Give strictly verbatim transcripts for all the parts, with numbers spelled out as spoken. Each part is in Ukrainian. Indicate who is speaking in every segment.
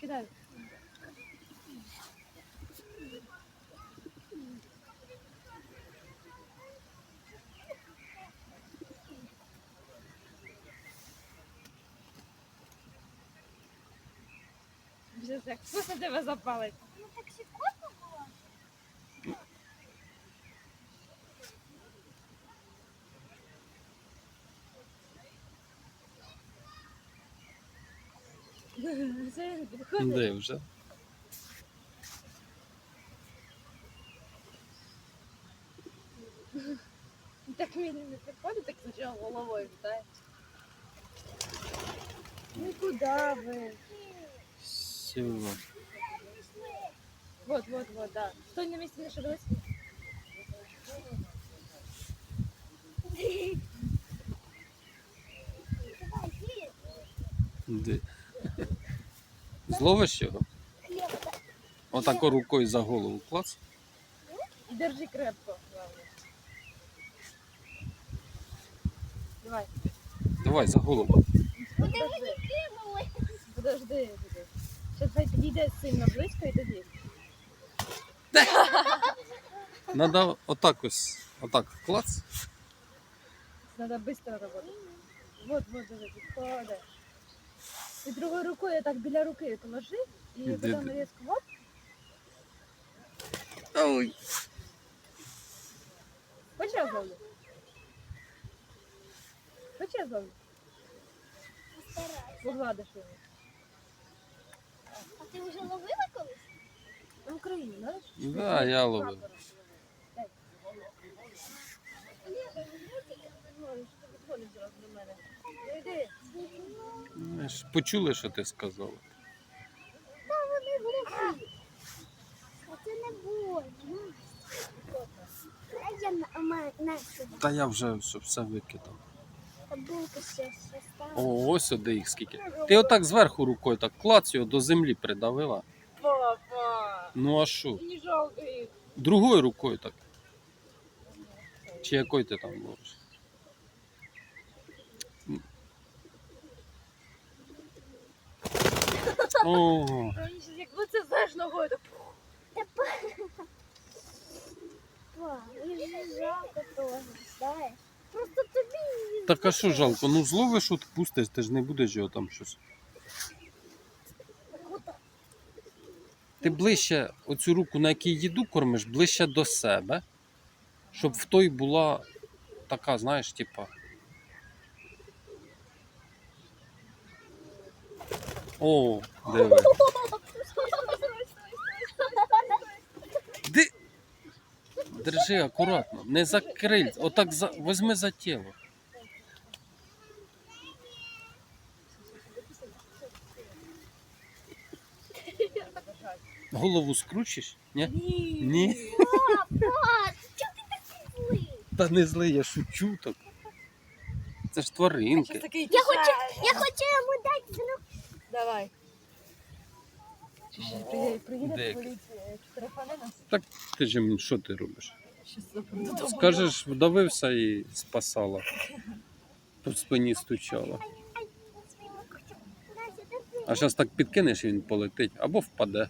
Speaker 1: кидай. Вже як вкусно тебе запалить.
Speaker 2: Ну так секунду було.
Speaker 1: Це він підходить.
Speaker 3: Де вже?
Speaker 1: Так він не підходить, так спочатку головою вітає. Ну куди ви?
Speaker 3: Все.
Speaker 1: Вот, вот, вот, да. Стой на місці, не шевелись.
Speaker 2: Давай, хліб.
Speaker 3: Де? Зловиш його?
Speaker 2: Хліб.
Speaker 3: Отако рукою за голову клац.
Speaker 1: І держи крепко, главное. Давай.
Speaker 3: Давай за голову.
Speaker 2: Куди ви
Speaker 1: Подожди,
Speaker 2: не кинули?
Speaker 1: подожди. Зараз хай підійде сильно близько і тоді.
Speaker 3: Надо отак ось, отак клац.
Speaker 1: Надо быстро работать. Вот, вот, давай, підходи. І другою рукою так біля руки положи, і
Speaker 3: Іди,
Speaker 1: потім
Speaker 3: іди.
Speaker 1: різко оп.
Speaker 3: Ой.
Speaker 1: Хочеш я зловлю? Хочеш я зловлю?
Speaker 2: Постарайся.
Speaker 1: Погладиш його.
Speaker 2: А ти вже ловила колись?
Speaker 1: В Україні, знаєш?
Speaker 3: Да, я ловив.
Speaker 1: Дай. Ой, що ти підходиш зразу до мене? Ну йди.
Speaker 3: Ми ж почули, що ти сказала.
Speaker 2: Та вони глухі. А це не больно. А я на, на, на сюди.
Speaker 3: Та я вже все, все викидав.
Speaker 2: Та булка ще, ще стала.
Speaker 3: О, ось сюди їх скільки. Ти отак зверху рукою так клац його до землі придавила.
Speaker 1: Папа!
Speaker 3: Ну а що?
Speaker 1: Не жалко їх.
Speaker 3: Другою рукою так. Чи якою ти там ловиш? О,
Speaker 1: Якби це знаєш ногою, то
Speaker 2: Па, мені ж жалко того, знаєш. Просто тобі.
Speaker 3: так а що жалко? Ну зловиш, от пустиш, ти ж не будеш його там щось. Ти ближче оцю руку, на якій їду кормиш, ближче до себе, щоб в той була така, знаєш, типа. О, диви. Ди... Держи акуратно, не за крильця, отак за... візьми за тіло. Голову скручиш? Ні?
Speaker 1: ні.
Speaker 3: Ні.
Speaker 2: Папа, чого ти такий злий?
Speaker 3: Та не злий, я шучу так. Це ж тваринки.
Speaker 1: Такий
Speaker 2: Я хочу, я хочу йому дати знак.
Speaker 1: Давай. Чи ще приїде, приїде
Speaker 3: Де?
Speaker 1: поліція, штрафане нас?
Speaker 3: Так ти ж їм, що ти робиш?
Speaker 1: Щас западу додому.
Speaker 3: Скажеш, вдавився і спасала. По спині стучала.
Speaker 2: Ай, своїм хочу. Настя, держи.
Speaker 3: А зараз так підкинеш і він полетить або впаде.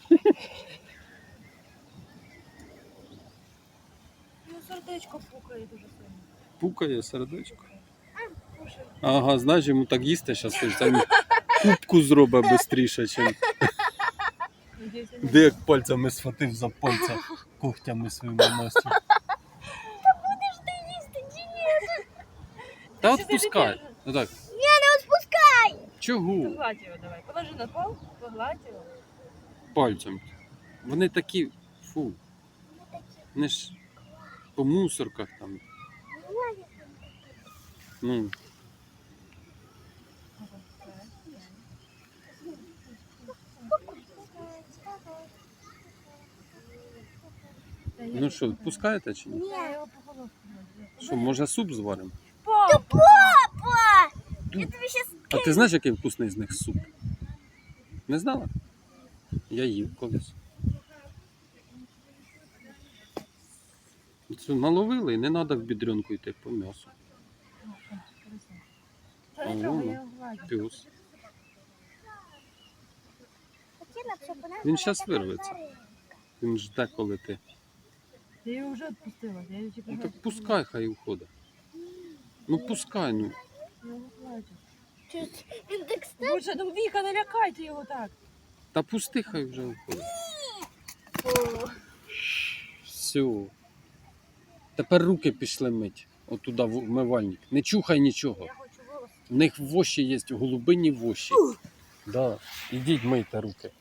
Speaker 1: Ну, сердечко пукає дуже сильно.
Speaker 3: Пукає сердечко. Ага, знаєш, йому так їсти зараз хочеться. Він кубку зробить швидше, ніж
Speaker 1: Надіюсь, не
Speaker 3: де як пальцями схватив за пальця когтями своїми Настю.
Speaker 2: Будеш ти їсти чи ні?
Speaker 3: Та
Speaker 1: Ти
Speaker 3: відпускай.
Speaker 1: сиди,
Speaker 3: Ну так.
Speaker 2: Ні, не відпускай.
Speaker 3: Чого?
Speaker 1: Погладь його давай. Положи на пол, погладь його.
Speaker 3: Пальцем. Вони такі, фу. Вони ж по мусорках там. Ну, ну що, відпускаєте чи ні?
Speaker 1: Я його по головку.
Speaker 3: Що, може суп зваримо?
Speaker 1: Папа!
Speaker 2: Папа, я тобі щас
Speaker 3: А ти знаєш, який вкусний з них суп? Не знала? Я їв колись. Це наловили і не треба в бідрюнку йти по м'ясу.
Speaker 1: Та не трогай, я його гладю.
Speaker 3: Пюс.
Speaker 2: хотіла б, щоб вона
Speaker 3: Він
Speaker 2: була
Speaker 3: щас
Speaker 2: така
Speaker 3: вирветься.
Speaker 2: тваринка.
Speaker 3: Він жде, коли ти.
Speaker 1: Я її вже відпустила. Я її тільки
Speaker 3: Ну
Speaker 1: геть
Speaker 3: так пускай хай уходить. Ну пускай, ну.
Speaker 1: Я його плачу.
Speaker 2: Чуть- Він так став.
Speaker 1: Боже, ну Віка, не лякайте його так.
Speaker 3: Та пусти, хай вже уходить. Все. Тепер руки пішли мить. Отуда в вмивальник. Не чухай нічого.
Speaker 1: Я хочу волос.
Speaker 3: В них воші є, голубині воші. Да. Ідіть мийте руки.